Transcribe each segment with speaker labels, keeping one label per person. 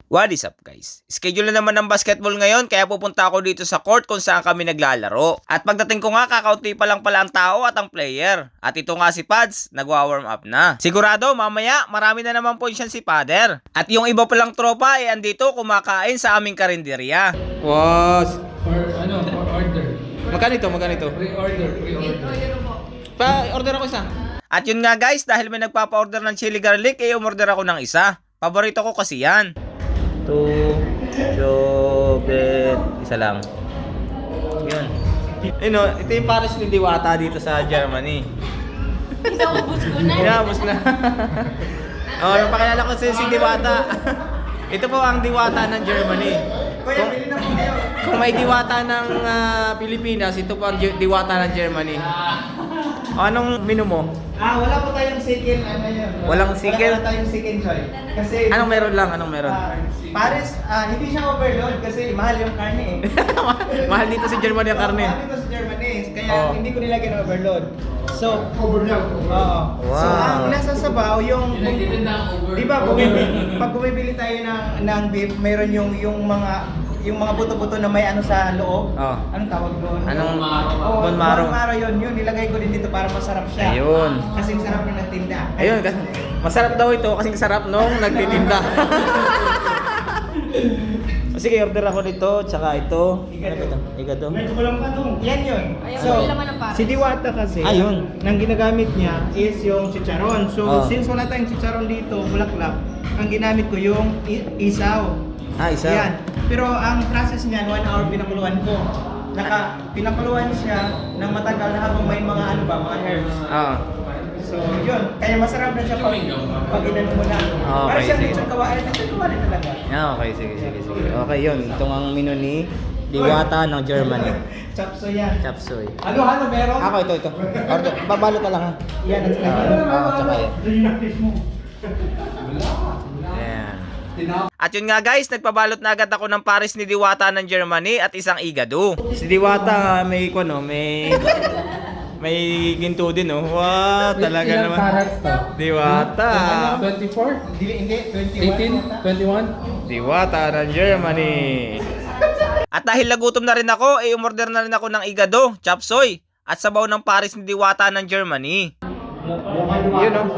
Speaker 1: What is up guys? Schedule na naman ng basketball ngayon kaya pupunta ako dito sa court kung saan kami naglalaro. At pagdating ko nga kakaunti pa lang pala ang tao at ang player. At ito nga si Pads, nagwa-warm up na. Sigurado mamaya marami na naman po siya si Pader. At yung iba palang tropa ay andito kumakain sa aming karinderya. Was
Speaker 2: For order.
Speaker 1: Magkano ito?
Speaker 2: Pre-order.
Speaker 1: Pa-order ako isa. At yun nga guys, dahil may nagpapa-order ng chili garlic, umorder ako ng isa. Paborito ko kasi yan. 2 chocolate. Isa lang. Yun. Ito yung Paris ni Diwata dito sa Germany.
Speaker 3: Inaubos ko na.
Speaker 1: Inaubos na. Yung pakilala ko si Diwata. Ito po ang Diwata ng Germany. Kung may Diwata ng Pilipinas, ito po ang Diwata ng Germany. Anong menu mo?
Speaker 4: Wala po tayong second,
Speaker 1: Walang second?
Speaker 4: Wala tayong second choice. Kasi,
Speaker 1: Anong meron lang?
Speaker 4: Paris, hindi siya overload kasi mahal yung karne eh.
Speaker 1: Mahal dito sa Germany ang karne.
Speaker 4: Mahal dito sa Germany, kaya hindi ko nilagyan ng overload. So,
Speaker 2: Overload.
Speaker 4: oo.
Speaker 1: Wow.
Speaker 4: So, ang nasa sabaw, yung,
Speaker 2: Pinagtitinda ang overload.
Speaker 4: di ba, pag bumibili tayo ng beef, meron yung mga buto-buto na may ano sa loob.
Speaker 1: Oh.
Speaker 4: Anong tawag doon?
Speaker 1: Anong
Speaker 4: Oh,
Speaker 1: bone marrow?
Speaker 4: bone marrow yun. Nilagay ko din dito para masarap siya.
Speaker 1: Ayun.
Speaker 4: Kasing sarap ng nagtinda.
Speaker 1: Ayun, kasi masarap daw ito kasi sarap nung nagtitinda. Sige, order ako nito, tsaka ito. Ano ba ito? Igado.
Speaker 4: Yan yun.
Speaker 3: Ayaw
Speaker 4: So,
Speaker 3: mo nila man ng Paris.
Speaker 4: si Diwata kasi,
Speaker 1: Ayun.
Speaker 4: nang ginagamit niya is yung chicharon. So,
Speaker 1: Oh.
Speaker 4: since wala tayong chicharon dito, bulaklak, ang ginamit ko yung isaw.
Speaker 1: Isa.
Speaker 4: Yan. Pero ang process niyan, 1 hour pinakuluan ko. Pinakuluan siya ng matagal habang may mga mga herbs. So, yun. Kaya masarap na siya pag inano mo na.
Speaker 1: Okay,
Speaker 4: Para siyang
Speaker 1: sige.
Speaker 4: lechon kawali talaga.
Speaker 1: Okay, sige. Okay, yun. Itong ang menu ni Diwata ng Germany.
Speaker 4: Chapso yan.
Speaker 1: Chapsoy.
Speaker 4: Ano meron?
Speaker 1: Ako, ito. Order. Babalot na lang ha.
Speaker 4: Yan, at saka
Speaker 1: Tsaka yan. Ayan. At yun nga guys, nagpabalot na agad ako ng Paris ni Diwata ng Germany at isang igado. Si Diwata may ginto din oh. Wow, talaga
Speaker 2: Ilang
Speaker 1: naman.
Speaker 2: carats to?
Speaker 1: Diwata.
Speaker 2: 24?
Speaker 4: Hindi, 21.
Speaker 2: 18? 21?
Speaker 1: Diwata ng Germany. At dahil nagutom na rin ako, umorder na rin ako ng igado, chapsoy, at sabaw ng Paris ni Diwata ng Germany. Yun oh.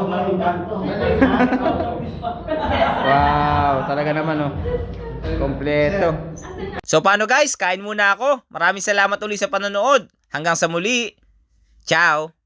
Speaker 1: Wow, talaga naman oh. Kompleto. So paano guys, kain muna ako. Maraming salamat uli sa panonood. Hanggang sa muli. Ciao.